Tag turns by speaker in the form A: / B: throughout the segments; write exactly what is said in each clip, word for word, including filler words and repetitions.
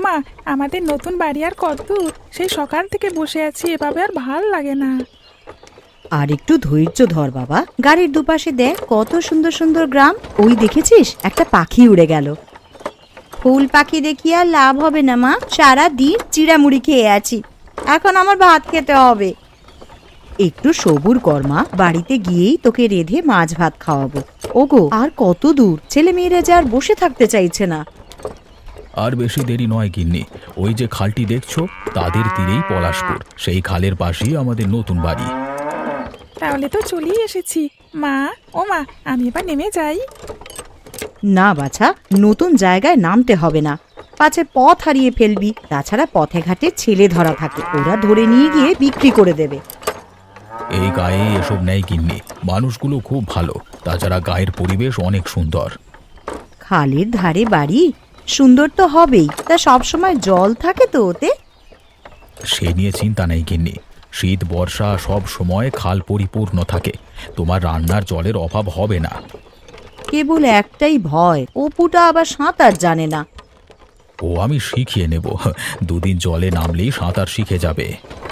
A: মা, আমাদের নতুন বাড়ি আর কত দূর? সেই সকাল থেকে বসে আছি, এভাবে আর ভাল লাগে না।
B: আর একটু ধৈর্য ধর বাবা, গাড়ির দুপাশে দেখ কত সুন্দর সুন্দর গ্রাম। ওই দেখেছিস একটা পাখি উড়ে গেল। ফুল পাখি দেখি আর লাভ হবে না মা, সারা দিন চিড়ামুড়ি খেয়ে আছি, এখন আমার ভাত খেতে হবে। একটু সবুর কর মা, বাড়িতে গিয়েই তোকে রেঁধে মাছ ভাত খাওয়াবো। ওগো, আর কত দূর? ছেলে মেয়েরা যে আর বসে থাকতে চাইছে না।
C: আর বেশি দেরি নয় গিন্নি, ওই যে খালটি দেখছো তাদের তীরেই পলাশপুর, সেই খালের পাশেই আমাদের নতুন বাড়ি।
A: তাহলে তো চলেই এসেছি। মা, ও মা, আমি এবার নেমে যাই।
B: না বাছা, নতুন জায়গায় নামতে হবে না, পাছে পথ হারিয়ে ফেলবি। তাছাড়া পথে ঘাটে ছেলে ধরা থাকে, ওরা ধরে নিয়ে গিয়ে বিক্রি করে দেবে।
C: এই গায়ে এসব নেই গিন্নি, মানুষগুলো খুব ভালো, তাছাড়া গায়ের পরিবেশ অনেক সুন্দর।
B: খালের ধারে বাড়ি, সুন্দর তো হবেই, তা সবসময় জল থাকে তো ওতে?
C: সে নিয়ে চিন্তা নেই গিন্নি, শীত বর্ষা সব সময় খাল পরিপূর্ণ থাকে, তোমার রান্নার জলের অভাব হবে না।
B: কেবল একটাই ভয়, অপুটা আবার সাঁতার জানে না।
C: ও আমি শিখিয়ে নেব, দুদিন জলে নামলেই সাঁতার শিখে যাবে।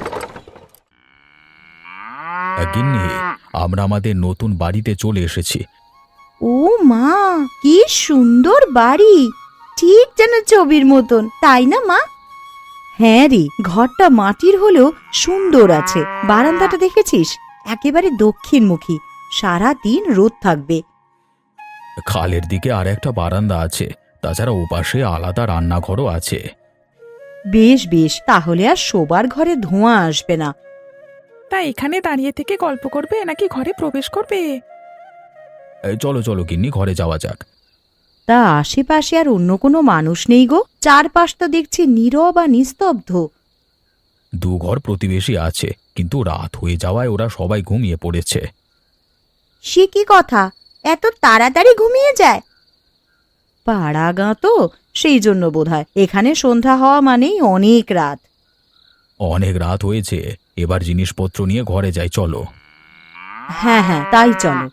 C: গিন্নি, আমরা আমাদের নতুন বাড়িতে চলে এসেছি।
B: ও মা, কি সুন্দর বাড়ি, ঠিক যেন ছবির মতন, তাই না মা? হ্যাঁ রে, ঘরটা মাটির হলেও সুন্দর আছে। বারান্দাটা দেখেছিস, একেবারে দক্ষিণমুখী, সারা দিন রোদ থাকবে।
C: খালের দিকে আর একটা বারান্দা আছে, তাছাড়া ওপাশে আলাদা রান্নাঘরও আছে।
B: বেশ বেশ, তাহলে আর শোবার ঘরে ধোঁয়া আসবে না।
A: তা এখানে দাঁড়িয়ে থেকে গল্প করবে নাকি ঘরে প্রবেশ করবে?
C: এই চলো চলো গিন্নি, ঘরে যাওয়া যাক।
B: তা আশেপাশে আর অন্য কোনো মানুষ নেই গো? চারপাশ তো দেখছি নীরব আর নিস্তব্ধ।
C: দু ঘর প্রতিবেশী আছে, কিন্তু রাত হয়ে যাওয়ায় ওরা সবাই ঘুমিয়ে পড়েছে।
B: সে কি কথা, এত তাড়াতাড়ি ঘুমিয়ে যায়? পাড়া গাঁ তো, সেই জন্য বোধহয় এখানে সন্ধ্যা হওয়া মানেই অনেক রাত।
C: অনেক রাত হয়েছে, এবার জিনিসপত্র নিয়ে ঘরে যাই, চলো।
B: হ্যাঁ হ্যাঁ, তাই চলো।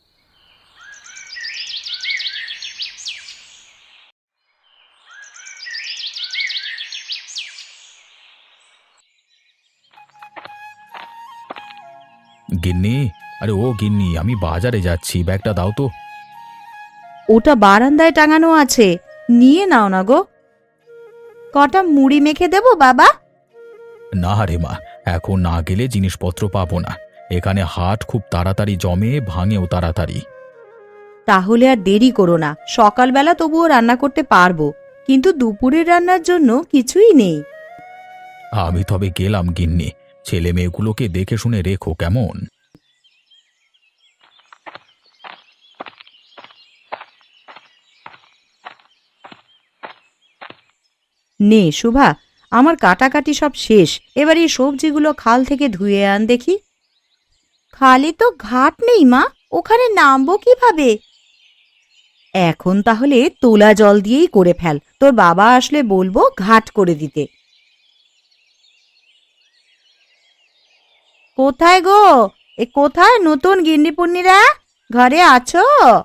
C: গিন্নি, আরে ও গিন্নি, আমি বাজারে যাচ্ছি, ব্যাগটা দাও তো।
B: ওটা বারান্দায় টাঙানো আছে, নিয়ে নাও না গো। কটা মুড়ি মেখে দেবো বাবা?
C: না রে মা, এখন না গেলে জিনিসপত্র পাবো না, এখানে হাট খুব তাড়াতাড়ি জমে, ভাঙেও তাড়াতাড়ি।
B: তাহলে আর দেরি করো না, সকালবেলা তবুও রান্না করতে পারবো, কিন্তু দুপুরের রান্নার জন্য কিছুই নেই।
C: আমি তবে গেলাম গিন্নি, ছেলে মেয়েগুলোকে দেখে শুনে রেখো কেমন।
B: নে শুভা, আমার কাটাকাটি সব শেষ, এবার এই সবজিগুলো খাল থেকে ধুয়ে আন দেখি। খালে তো ঘাট নেই মা, ওখানে নামবো কিভাবে? এখন তাহলে তোলা জল দিয়েই করে ফেল, তোর বাবা আসলে বলবো ঘাট করে দিতে। কোথায় গো, এ কোথায় নতুন গিন্নিপুন্নিরা, ঘরে আছো?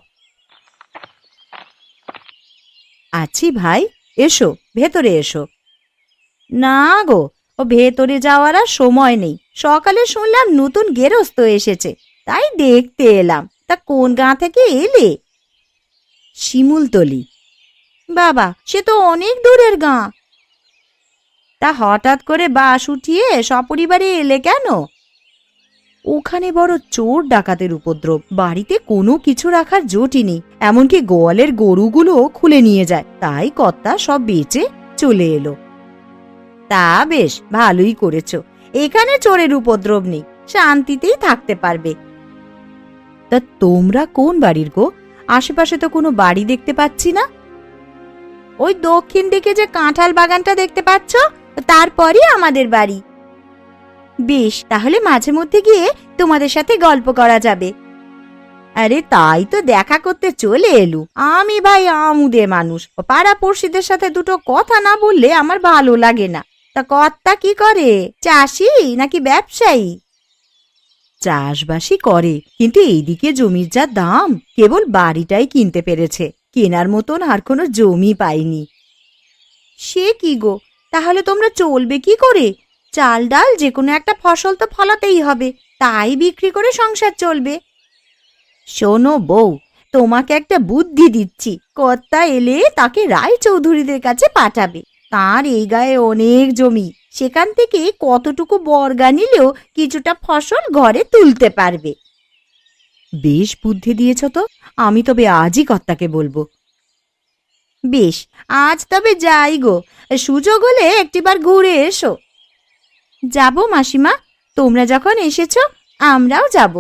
B: আছি ভাই, এসো ভেতরে এসো। না গো, ও ভেতরে যাওয়ার আর সময় নেই, সকালে শুনলাম নতুন গেরস্ত এসেছে, তাই দেখতে এলাম। তা কোন গাঁ থেকে এলে? শিমুলতলি। বাবা, সে তো অনেক দূরের গাঁ। তা হঠাৎ করে বাস উঠিয়ে সপরিবারে এলে কেন? ওখানে বড় চোর ডাকাতের উপদ্রব, বাড়িতে কোনো কিছু রাখার জোটই নেই, এমনকি গোয়ালের গরুগুলো খুলে নিয়ে যায়, তাই কর্তা সব বেচে চলে এলো। তা বেশ ভালোই করেছো, এখানে চোরের উপদ্রব নেই, শান্তিতেই থাকতে পারবে। তা তোমরা কোন বাড়ির গো? আশেপাশে তো কোনো বাড়ি দেখতে পাচ্ছি না। ওই দক্ষিণ দিকে যে কাঁঠাল বাগানটা দেখতে পাচ্ছ, তারপরই আমাদের বাড়ি। বেশ, তাহলে মাঝে মধ্যে গিয়ে তোমাদের সাথে গল্প করা যাবে। আরে তাই তো দেখা করতে চলে এলু, আমি ভাই আমুদে মানুষ, পাড়া পড়শিদের সাথে দুটো কথা না বললে আমার ভালো লাগে না। তা কর্তা কি করে, চাষি নাকি ব্যবসায়ী? চাষবাসই করে, কিন্তু এইদিকে জমির যা দাম, কেবল বাড়িটাই কিনতে পেরেছে, কেনার মতন আর কোনো জমি পাইনি। সে কি গো, তাহলে তোমরা চলবে কি করে? চাল ডাল যে কোনো একটা ফসল তো ফলাতেই হবে, তাই বিক্রি করে সংসার চলবে। শোনো বউ, তোমাকে একটা বুদ্ধি দিচ্ছি। কর্তা এলে তাকে রায়চৌধুরীদের কাছে পাঠাবে। তার এই গায়ে অনেক জমি, সেখান থেকে কতটুকু বর্গা নিলেও কিছুটা ফসল ঘরে তুলতে পারবে। বেশ বুদ্ধি দিয়েছ তো, আমি তবে আজই কর্তাকে বলবো। বেশ, আজ তবে যাই গো, সুযোগ হলে একটিবার ঘুরে এসো। যাব মাসিমা, তোমরা যখন এসেছো আমরাও যাব।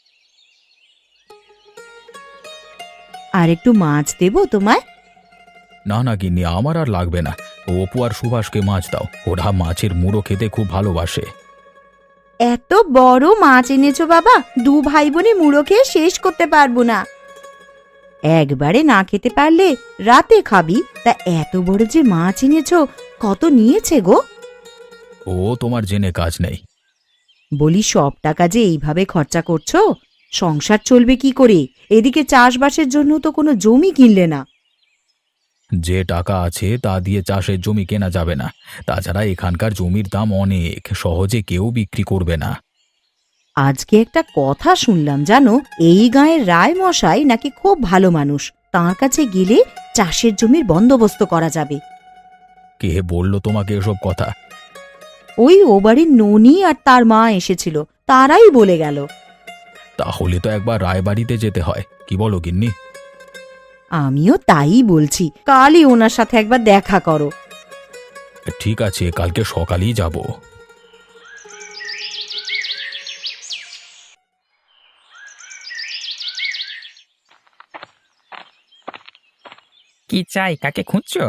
B: আর একটু মাছ দেবো তোমায়?
C: না না গিন্নি, আমার আর লাগবে না। অপু আর সুভাষকে মাছ দাও, ওরা মাছের মুড়ো খেতে খুব ভালোবাসে।
B: এত বড় মাছ এনেছো বাবা, দু ভাই বোনে মুড়ো খেয়ে শেষ করতে পারবো না। একবারে না খেতে পারলে রাতে খাবি, তা এত বড় যে মাছ এনেছো, কত নিয়েছে গো?
C: ও তোমার জেনে কাজ নেই।
B: বলি সব টাকা যে এইভাবে খরচা করছো, সংসার চলবে কি করে? এদিকে চাষবাসের জন্য তো কোনো জমি কিনলে না।
C: যে টাকা আছে তা দিয়ে চাষের জমি কেনা যাবে না। তাছাড়া এখানকার জমির দাম অনেক, সহজে কেউ বিক্রি করবে না।
B: আজকে একটা কথা শুনলাম জানো, এই গাঁয়ের রায় মশাই নাকি খুব ভালো মানুষ, তাঁর কাছে গেলে চাষের জমির বন্দোবস্ত করা যাবে।
C: কে বলল তোমাকে এসব কথা?
B: ওই ও বাড়ির ননি আর তার মা এসেছিল, তারাই বলে গেল।
C: তাহলে তো একবার রায়বাড়িতে যেতে হয়, কি বলো গিন্নি?
B: আমিও তাই বলছি, কালই ওনার সাথে একবার দেখা করো।
C: ঠিক আছে, কালকে সকালেই যাব।
D: কি চাই? কাকে খুঁজছো?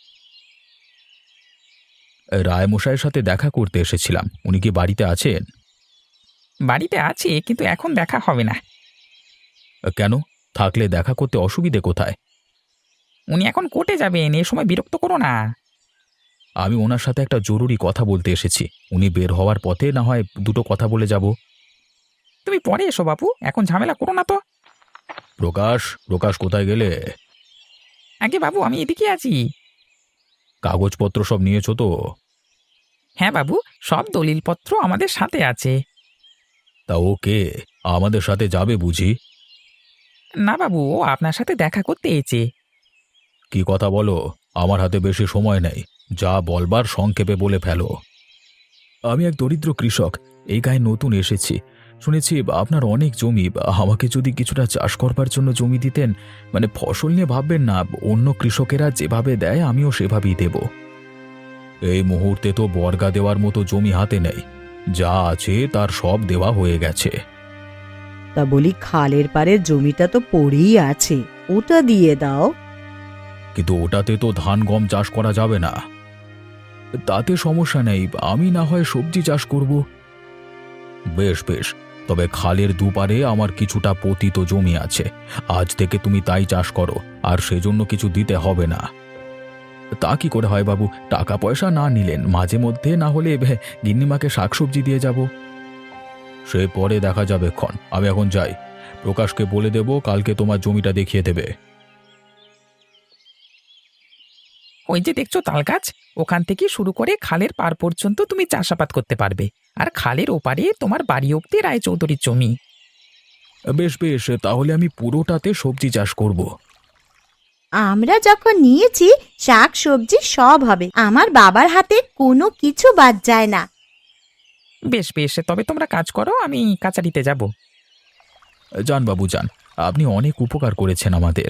C: রায়মশাইয়ের সাথে দেখা করতে এসেছিলাম, উনি কি বাড়িতে আছেন?
D: বাড়িতে আছি, কিন্তু এখন দেখা হবে না।
C: কেন? থাকলে দেখা করতে অসুবিধে কোথায়?
D: উনি এখন কোর্টে যাবেন, এ সময় বিরক্ত করো না।
C: আমি ওনার সাথে একটা জরুরি কথা বলতে এসেছি, উনি বের হওয়ার পথে না হয় দুটো কথা বলে যাব।
D: তুমি পরে এসো বাপু, এখন ঝামেলা করো না তো।
C: প্রকাশ, প্রকাশ কোথায় গেলে?
D: আগে বাবু, আমি এদিকে আছি।
C: কাগজপত্র সব নিয়েছো তো?
D: হ্যাঁ বাবু, সব দলিলপত্র আমাদের সাথে আছে।
C: তা ওকে, আমাদের সাথে যাবে বুঝি?
D: না বাবু, ও আপনার সাথে দেখা করতে এসেছে।
C: কি কথা বলো, আমার হাতে বেশি সময় নেই, যা বলবার সংক্ষেপে বলে ফেলো। আমি এক দরিদ্র কৃষক, এই গায়ে নতুন এসেছি। শুনেছি আপনার অনেক জমি, আমাকে যদি কিছুটা চাষ করবার জন্য জমি দিতেন, মানে ফসল নিয়ে ভাববেন না, অন্য কৃষকেরা যেভাবে দেয় আমিও সেভাবেই দেব। এই মুহূর্তে তো বর্গা দেওয়ার মতো জমি হাতে নেই, যা আছে তার সব দেওয়া হয়ে গেছে।
B: তা বলি, খালের পাড়ের জমিটা তো পড়েই আছে, ওটা দিয়ে দাও।
C: কিন্তু ওটাতে তো ধান গম চাষ করা যাবে না। তাতে সমস্যা নেই, আমি না হয় সবজি চাষ করব। বেশ বেশ, তবে খালের দুপারে আমার কিছুটা পতিত জমি আছে, আজ থেকে তুমি তাই চাষ করো, আর সেজন্য কিছু দিতে হবে না। তা কি করে হয় বাবু, টাকা পয়সা না নিলেন, মাঝে মধ্যে না হলে ভে- গিন্নিমাকে শাকসবজি দিয়ে যাব। সে পরে দেখা যাবে ক্ষণ, আমি এখন যাই। প্রকাশকে বলে দেব কালকে তোমার জমিটা দেখিয়ে দেবে।
D: ওই যে দেখছো তাল গাছ, ওখান থেকে শুরু করে খালের পার পর্যন্ত তুমি চাষাবাদ করতে পারবে। আর খালের ওপারে তোমার বাড়ি অব্দি রায়চৌধুরীর জমি।
C: বেশ বেশ, তাহলে আমি পুরোটাতে সবজি চাষ করব।
B: আমরা যখন নিয়েছি, শাক সবজি সব হবে, আমার বাবার হাতে কোনো কিছু বাদ যায় না।
D: বেশ বেশ, তবে তোমরা কাজ করো, আমি কাচারিতে যাব।
C: যান বাবু যান, আপনি অনেক উপকার করেছেন আমাদের।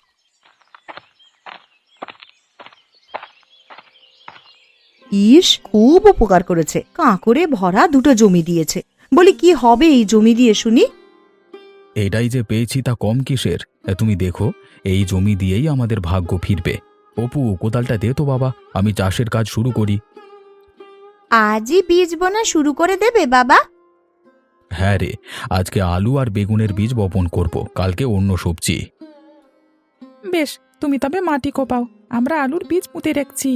B: ইস, খুব উপকার করেছে, কাঁকড়ে ভরা দুটো জমি দিয়েছে। বলি, কি হবে এই জমি দিয়ে শুনি?
C: এটাই যে পেয়েছি তা কম কিসের? তুমি দেখো, এই জমি দিয়েই আমাদের ভাগ্য ফিরবে। অপু, কোদালটা দে তো বাবা, আমি চাষের কাজ শুরু করি।
B: আজই বীজ বোনা শুরু করে দেবে বাবা?
C: হ্যাঁ রে, আজকে আলু আর বেগুনের বীজ বপন করব, কালকে অন্য সবজি।
A: বেশ, তুমি তবে মাটি কোপাও, আমরা আলুর বীজ পুঁতে রাখছি।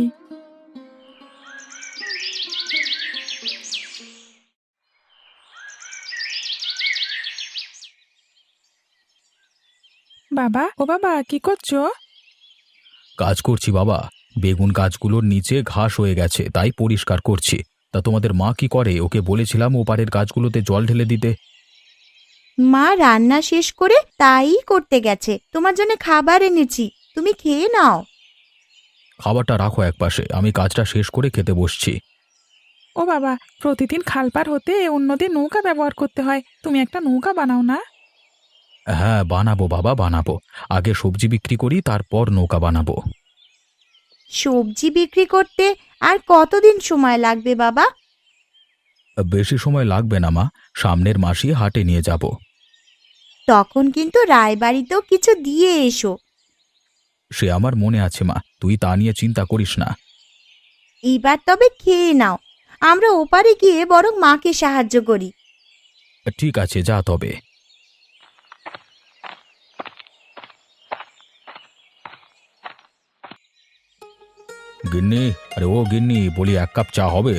A: বাবা, ও বাবা, কি করছো?
C: কাজ করছি বাবা, বেগুন গাছগুলোর নিচে ঘাস হয়ে গেছে, তাই পরিষ্কার করছি। তা তোমাদের মা কি করে? ওকে বলেছিলাম ওপারের গাছগুলোতে জল ঢেলে দিতে।
B: মা রান্না শেষ করে তাই করতে গেছে। তোমার জন্য খাবার এনেছি, তুমি খেয়ে নাও।
C: খাবারটা রাখো একপাশে, আমি কাজটা শেষ করে খেতে বসছি।
A: ও বাবা, প্রতিদিন খাল পার হতে অন্যদের নৌকা ব্যবহার করতে হয়, তুমি একটা নৌকা বানাও না।
C: হ্যাঁ বানাবো বাবা, বানাবো। আগে সবজি বিক্রি করি, তারপর নৌকা বানাবো।
B: সবজি বিক্রি করতে আর কতদিন সময় লাগবে বাবা?
C: বেশি সময় লাগবে না মা, সামনের মাসে হাটে নিয়ে যাব।
B: তখন কিন্তু রায়বাড়িতেও কিছু দিয়ে এসো।
C: সে আমার মনে আছে মা, তুই তা নিয়ে চিন্তা করিস না।
B: এবার তবে খেয়ে নাও, আমরা ওপারে গিয়ে বরং মাকে সাহায্য করি।
C: ঠিক আছে, যা তবে। গিন্নি, আরে ও গিন্নি, বলি এক কাপ চা হবে?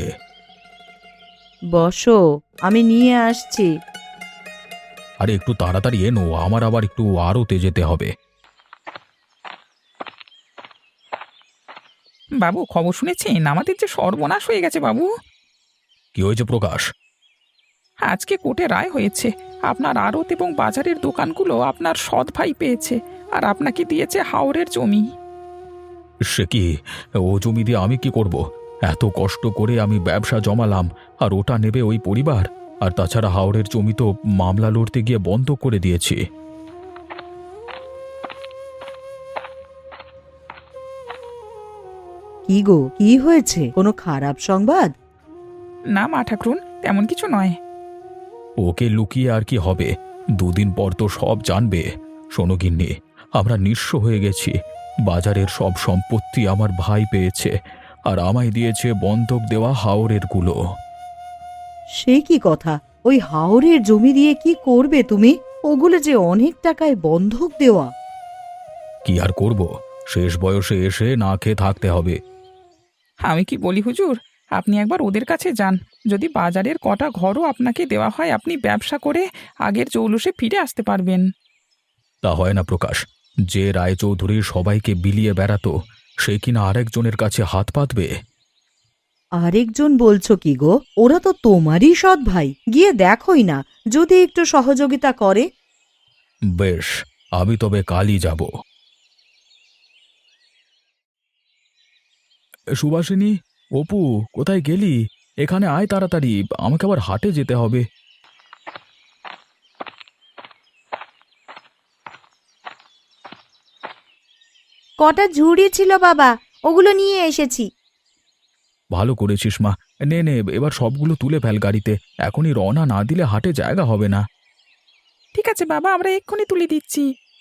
B: বসো, আমি নিয়ে আসছি।
C: আরে একটু তাড়াতাড়ি এনো, আমার আবার একটু আড়তে যেতে হবে।
D: বাবু, খবর শুনেছেন? আমাদের যে সর্বনাশ হয়ে গেছে বাবু।
C: কি হয়েছে প্রকাশ?
D: আজকে কোর্টে রায় হয়েছে, আপনার আড়ত এবং বাজারের দোকানগুলো আপনার সৎ ভাই পেয়েছে, আর আপনাকে দিয়েছে হাওরের জমি।
C: সে কি? ও জমি দিয়ে আমি কি করব? এত কষ্ট করে আমি ব্যবসা জমালাম, আর ওটা নেবে ওই পরিবার? আর তাছাড়া হাওড়ের জমি তো মামলা লড়তে গিয়ে বন্ধ করে দিয়েছি।
B: কি গো, কি হয়েছে? কোনো খারাপ সংবাদ?
D: না মা ঠাকুরুন, তেমন কিছু নয়।
C: ওকে লুকিয়ে আর কি হবে? দুদিন পর তো সব জানবে। শোনো গিন্নি, আমরা নিঃস্ব হয়ে গেছি। বাজারের সব সম্পত্তি আমার ভাই পেয়েছে, আর আমায় দিয়েছে বন্ধক দেওয়া হাওরের গুলো।
B: সে কি কথা? ওই হাওরের জমি দিয়ে কি করবে তুমি? ওগুলো যে অনেক টাকায় বন্ধক দেওয়া।
C: কি আর করব, শেষ বয়সে এসে না খেয়ে থাকতে হবে।
D: আমি কি বলি হুজুর, আপনি একবার ওদের কাছে যান। যদি বাজারের কটা ঘরও আপনাকে দেওয়া হয়, আপনি ব্যবসা করে আগের জৌলুসে ফিরে আসতে পারবেন।
C: তা হয় না প্রকাশ। যে রায়চৌধুরী সবাইকে বিলিয়ে বেড়াতো, সে কিনা আরেকজনের কাছে হাত পাতবে?
B: আরেকজন বলছো কি গো? ওরা তো তোমারই সৎ ভাই, গিয়ে দেখোই না যদি একটু সহযোগিতা করে।
C: বেশ, আমি তবে কালই যাব। সুভাষিনী, অপু, কোথায় গেলি? এখানে আয় তাড়াতাড়ি, আমাকে আবার হাটে যেতে হবে।
B: কটা ঝুড়ি ছিল বাবা, ওগুলো নিয়ে এসেছি।
C: ভালো করেছিস মা। নে নে, এবার সবগুলো তুলে ফেল গাড়িতে। এখনই রওনা না দিলে হাটে জায়গা হবে না।
A: ঠিক আছে বাবা, আমরা এক্ষুনি তুলে দিচ্ছি।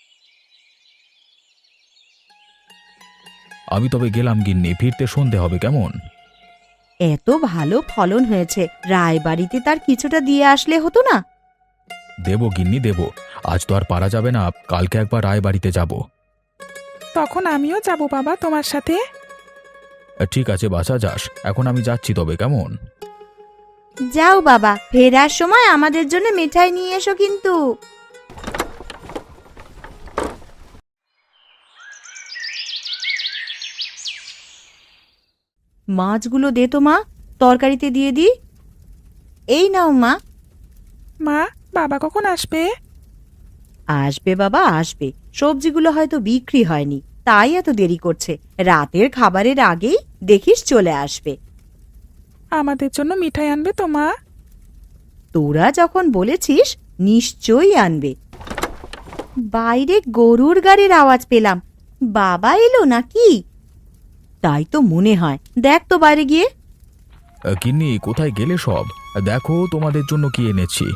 C: আমি তবে গেলাম গিন্নি, ফিরতে সন্ধে হবে কেমন?
B: এত ভালো ফলন হয়েছে, রায়বাড়িতে তার কিছুটা দিয়ে আসলে হতো না?
C: দেব গিন্নি দেব। আজ তো আর পারা যাবে না, কালকে একবার রায়বাড়িতে যাব।
A: তখন আমিও যাব বাবা তোমার সাথে।
C: ঠিক আছে বাছা, যাস। এখন আমি যাচ্ছি তবে কেমন?
B: যাও বাবা, ফেরার সময় আমাদের জন্য মিঠাই নিয়ে এসো কিন্তু। মাছগুলো দে তো মা, তরকারিতে দিয়ে দি। এই নাও মা।
A: মা, বাবা কখন আসবে?
B: আসবে বাবা, আসবে। সবজিগুলো হয়তো বিক্রি হয়নি, তাই এত দেরি করছে। রাতের খাবারের আগেই দেখিস চলে আসবে।
A: আমাদের জন্য মিঠাই আনবে তো মা?
B: তোরা যখন বলেছিস, নিশ্চয়ই আনবে। বাইরে গরুর গাড়ির আওয়াজ পেলাম, বাবা এলো নাকি? তাই তো মনে হয়, দেখ তো বাইরে গিয়ে।
C: গিন্নি, কোথায় গেলে সব? দেখো তোমাদের জন্য কি এনেছি।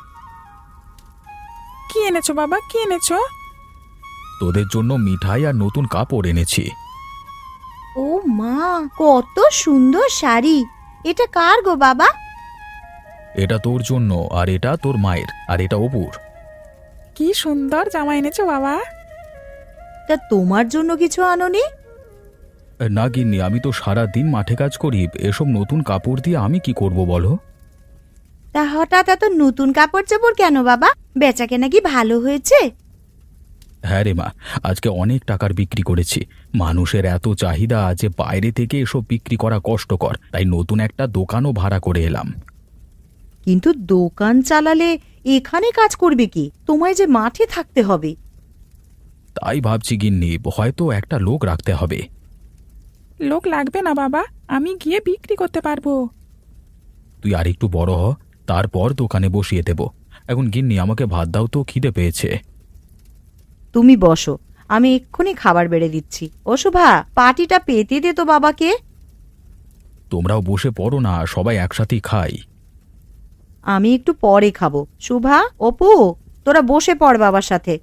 A: কি এনেছো বাবা, কি এনেছো?
C: তোদের জন্য মিঠাই আর নতুন কাপড় এনেছি।
B: ও মা, কত সুন্দর শাড়ি! এটা কার গো বাবা?
C: এটা তোর জন্য, আর এটা তোর মায়ের, আর এটা অপুর।
A: কি সুন্দর জামা এনেছো বাবা।
B: তা তোমার জন্য কিছু আনোনি?
C: না গিন্নি, আমি তো সারা দিন মাঠে কাজ করি, এসব নতুন কাপড় দিয়ে আমি কি করব বলো?
B: তা হঠাৎ এত নতুন কাপড় চোপড় কেন বাবা? বেচাকেনা কি ভালো হয়েছে?
C: হ্যাঁ রে মা, আজকে অনেক টাকার বিক্রি করেছি। মানুষের এত চাহিদা যে বাইরে থেকে এসব বিক্রি করা কষ্টকর, তাই নতুন একটা দোকানও ভাড়া করে এলাম।
B: কিন্তু দোকান চালালে এখানে কাজ করবে কি? তোমায় যে মাঠে থাকতে হবে।
C: তাই ভাবছি গিন্নি, হয়তো একটা লোক রাখতে হবে।
A: লোক লাগবে না বাবা, আমি গিয়ে বিক্রি করতে পারবো।
C: তুই আর একটু বড় হ, তারপর দোকানে বসিয়ে দেব। এখন গিন্নি আমাকে ভাত দাও তো, খিদে পেয়েছে।
B: তুমি বসো, আমি এক্ষুনি খাবার বেড়ে দিচ্ছি। ও শোভা, পাটিটা পেতে দে তো বাবাকে।
C: তোমরাও বসে পড়ো না, সবাই একসাথেই খাই।
B: আমি একটু পরে খাবো। শোভা, অপু, তোরা বসে পড় বাবার সাথে।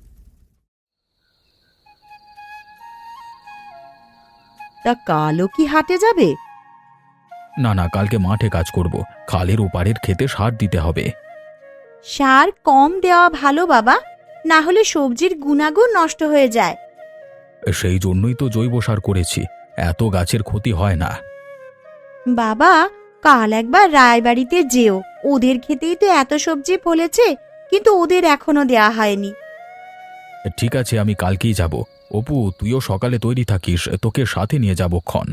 B: তা কালও কি হাটে যাবে?
C: না না, কালকে মাঠে কাজ করব, খালের ওপারের খেতে সার দিতে হবে।
B: সার কম দেওয়া ভালো বাবা, না হলে সবজির গুণাগুণ নষ্ট হয়ে যায়।
C: সেই জন্যই তো জৈব সার করেছি, এত গাছের ক্ষতি হয় না।
B: বাবা, কাল একবার রায়বাড়িতে যেও, ওদের খেতেই তো এত সবজি ফলেছে, কিন্তু ওদের এখনো দেয়া হয়নি।
C: ঠিক আছে, আমি কালকেই যাব। অপু, তুইও সকালে তৈরি থাকিস, তোকে সাথে নিয়ে যাব ক্ষণ।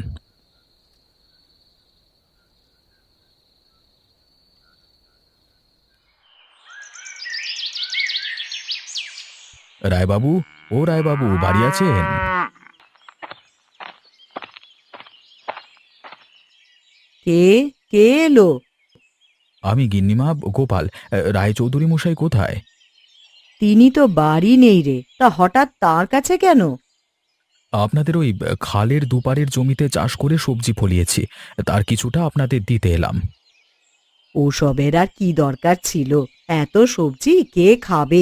C: রায়বাবু, ও রায়বাবু, বাড়ি আছেন?
B: কে কে এলো?
C: আমি গিন্নিমা, গোপাল। রায়চৌধুরী মশাই কোথায়?
B: তিনি তো বাড়ি নেই রে, তা হঠাৎ তার কাছে কেন?
C: আপনাদের ওই খালের দুপারের জমিতে চাষ করে সবজি ফলিয়েছি, তার কিছুটা আপনাদের দিতে এলাম।
B: ওসবের আর কি দরকার ছিল? এত সবজি কে খাবে?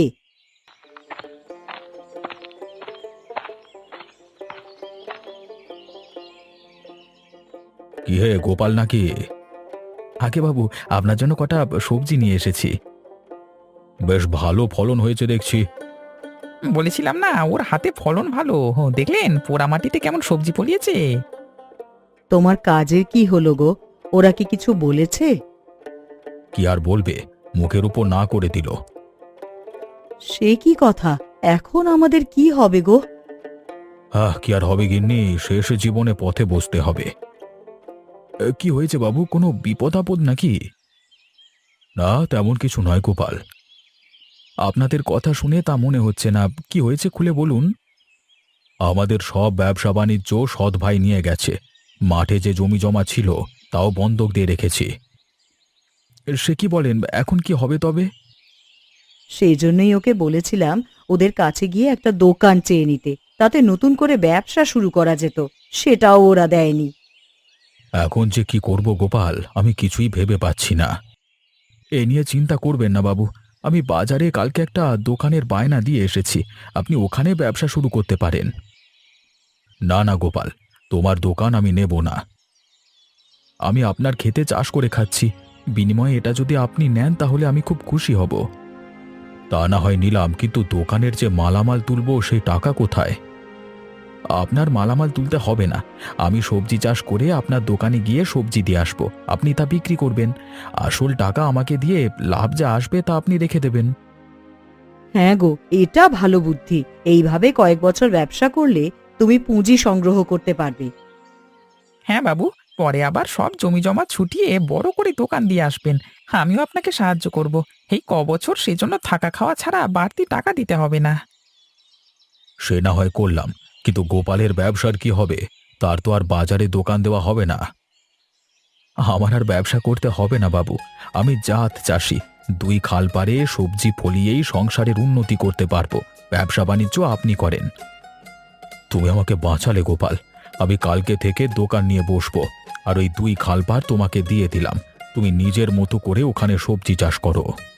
C: কি হে গোপাল নাকি? আগে বাবু, আপনার জন্য কটা সবজি নিয়ে এসেছি। বেশ ভালো ফলন হয়েছে দেখছি।
D: বলেছিলাম না, ওর হাতে ফলন ভালো। হো, দেখলেন পোড়া মাটিতে কেমন সবজি ফলিয়েছে।
B: তোমার কাজের কি হলো গো? ওরা কি কিছু বলেছে?
C: কি আর বলবে, মুখের উপর না করে দিল।
B: সে কি কথা? এখন আমাদের কি হবে গো?
C: আহ, কি আর হবে গিন্নি, শেষ জীবনে পথে বসতে হবে। এ, কি হয়েছে বাবু, কোনো বিপদ আপদ নাকি? না, তেমন কিছু নয় গোপাল। আপনাদের কথা শুনে তা মনে হচ্ছে না। কি হয়েছে খুলে বলুন। আমাদের সব ব্যবসা বাণিজ্য সৎ ভাই নিয়ে গেছে, মাঠে যে জমি জমা ছিল তাও বন্ধক দিয়ে রেখেছি। সে কি বলেন, এখন কি হবে তবে?
B: সেই জন্যই ওকে বলেছিলাম ওদের কাছে গিয়ে একটা দোকান চেয়ে নিতে, তাতে নতুন করে ব্যবসা শুরু করা যেত। সেটাও ওরা দেয়নি।
C: এখন যে কি করব গোপাল, আমি কিছুই ভেবে পাচ্ছি না। এ নিয়ে চিন্তা করবেন না বাবু, আমি বাজারে কালকে একটা দোকানের বায়না দিয়ে এসেছি, আপনি ওখানে ব্যবসা শুরু করতে পারেন। না না গোপাল, তোমার দোকান আমি নেব না। আমি আপনার খেতে চাষ করে খাচ্ছি, বিনিময়ে এটা যদি আপনি নেন তাহলে আমি খুব খুশি হব। তা না হয় নিলাম, কিন্তু দোকানের যে মালামাল তুলবো সেই টাকা কোথায়? আপনার মালামাল তুলতে হবে না, আমি সবজি চাষ করে আপনার দোকানে গিয়ে সবজি দিয়ে আসবো, আপনি তা বিক্রি করবেন। আসল টাকা আমাকে দিয়ে লাভ যা আসবে তা আপনি রেখে দেবেন।
B: হ্যাঁ গো, এটা ভালো বুদ্ধি। এইভাবে কয়েক বছর ব্যবসা করলে তুমি পুঁজি সংগ্রহ করতে পারবে।
D: হ্যাঁ বাবু, পরে আবার সব জমি জমা ছুটিয়ে বড় করে দোকান দিয়ে আসবেন। আমিও আপনাকে সাহায্য করব। এই ক বছর সেজন্য থাকা খাওয়া ছাড়া বাড়তি টাকা দিতে হবে না।
C: সে না হয় করলাম, কিন্তু গোপালের ব্যবসার কি হবে? তার তো আর বাজারে দোকান দেওয়া হবে না। আমার আর ব্যবসা করতে হবে না বাবু, আমি জাত চাষি, দুই খাল পারে সবজি ফলিয়েই সংসারের উন্নতি করতে পারবো। ব্যবসা বাণিজ্য আপনি করেন। তুমি আমাকে বাঁচালে গোপাল, আমি কালকে থেকে দোকান নিয়ে বসবো, আর ওই দুই খাল পার তোমাকে দিয়ে দিলাম, তুমি নিজের মতো করে ওখানে সবজি চাষ করো।